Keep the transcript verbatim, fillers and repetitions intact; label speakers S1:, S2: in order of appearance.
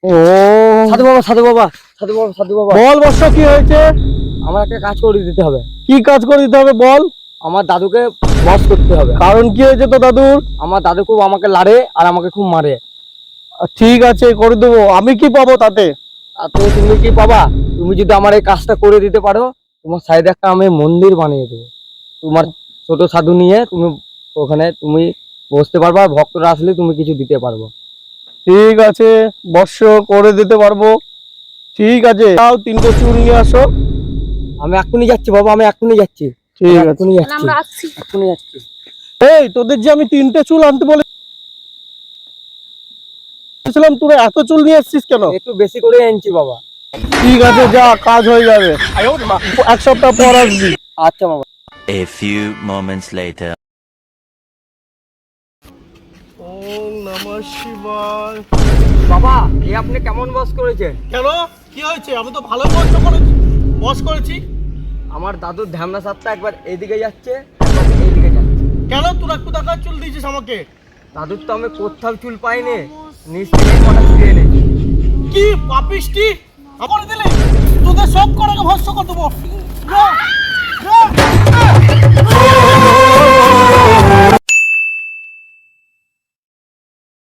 S1: ও
S2: সাধু বাবা সাধু বাবা সাধু বাবা সাধু বাবা
S1: বল বর্ষ, কি হয়েছে?
S2: আমার একটা কাজ করে দিতে হবে।
S1: কি কাজ করে দিতে হবে বল?
S2: আমার দাদুকে বস করতে হবে।
S1: কারণ কি হয়েছে তো দাদুর?
S2: আমার দাদু খুব আমাকে লাড়ে আর আমাকে খুব মারে।
S1: ঠিক আছে, করে দেবো। আমি কি পাবো তাতে?
S2: আর তো তুমি কি পাবা? তুমি যদি আমার এই কাজটা করে দিতে পারো, তোমার সাইডে একটা আমি মন্দির বানিয়ে দেবো। তোমার ছোট সাধু নিয়ে তুমি ওখানে তুমি বসতে পারবা, ভক্তরা আসলে তুমি কিছু দিতে পারবো।
S1: ঠিক আছে বর্ষ, করে দিতে পারবো। ঠিক আছে, তাও তিনটে চুল নিয়ে আসো।
S2: আমি এক্ষুনি যাচ্ছি বাবা, আমি এক্ষুনি যাচ্ছি।
S1: ঠিক আছে,
S2: এক্ষুনি যাচ্ছি,
S3: আমরা আসছি।
S2: এক্ষুনি যাচ্ছি।
S1: এই তোদের যে আমি তিনটে চুল আনতে বলেছিলাম, তোরা এত চুল নিয়ে এসেছিস কেন?
S2: একটু বেশি করে আনছি বাবা।
S1: ঠিক আছে, যা, কাজ হয়ে যাবে। এক সপ্তাহ পর আসবি।
S2: আচ্ছা বাবা।
S4: A few moments later.
S1: ওম নমঃ শিবায়।
S2: বাবা এই আপনি কেমন বস করেছেন?
S1: কেন, কি হয়েছে? আমি তো ভালো বস করেছি, বস করেছি।
S2: আমার দাদুর ধ্যামনা সাতটা একবার এইদিকে যাচ্ছে, একবার এইদিকে যাচ্ছে।
S1: কেন তোরা কোথাকার চুল দিয়েছিস আমাকে?
S2: দাদুর তো আমি কোথাও চুল পাইনি, নিচ থেকে কটা চুল এনেছি।
S1: কি পাপিষ্টি, আমার দিলে তোদের সব করে ভস্ম করে দেবো।